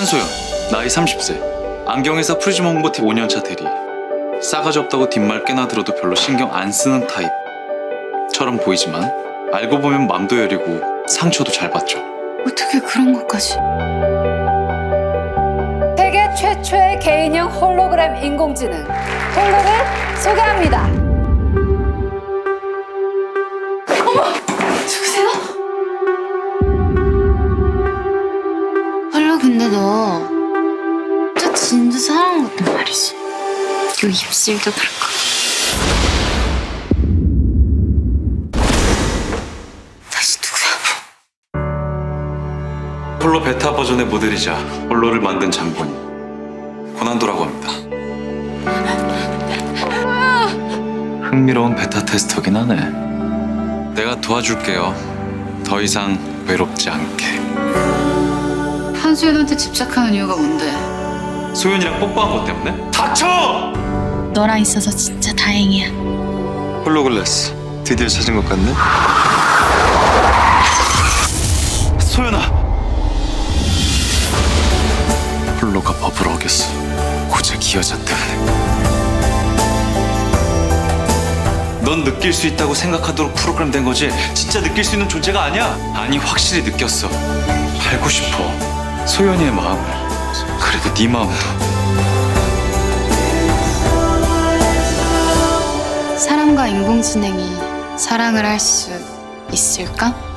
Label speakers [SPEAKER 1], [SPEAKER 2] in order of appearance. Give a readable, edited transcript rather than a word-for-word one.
[SPEAKER 1] 한소연, 나이 30세. 안경회사 프리즘 홍보팀 5년차 대리. 싸가지 없다고 뒷말 꽤나 들어도 별로 신경 안 쓰는 타입처럼 보이지만 알고 보면 맘도 여리고 상처도 잘 받죠.
[SPEAKER 2] 어떻게 그런 것까지?
[SPEAKER 3] 세계 최초의 개인형 홀로그램 인공지능 홀로를 소개합니다.
[SPEAKER 2] 누구세요? 헐로, 근데 너 저 진짜 사랑한 것도 말이지. 요 입술도 그렇고. 다시 누구야?
[SPEAKER 1] 홀로 베타 버전의 모델이자 홀로를 만든 장본인 고난도라고 합니다. 흥미로운 베타 테스터긴 하네. 내가 도와줄게요. 더 이상 외롭지 않게.
[SPEAKER 2] 한수연한테 집착하는 이유가 뭔데?
[SPEAKER 1] 소연이랑 뽀뽀한 것 때문에? 닥쳐!
[SPEAKER 2] 너랑 있어서 진짜 다행이야.
[SPEAKER 4] 홀로글라스 드디어 찾은 것 같네.
[SPEAKER 1] 소연아! 홀로가 법을 어겼어. 고작 이 여자 때문에. 넌 느낄 수 있다고 생각하도록 프로그램 된 거지 진짜 느낄 수 있는 존재가 아니야. 아니 확실히 느꼈어. 알고 싶어. 소연이의 마음을. 그래도 네 마음도.
[SPEAKER 2] 사람과 인공지능이 사랑을 할 수 있을까?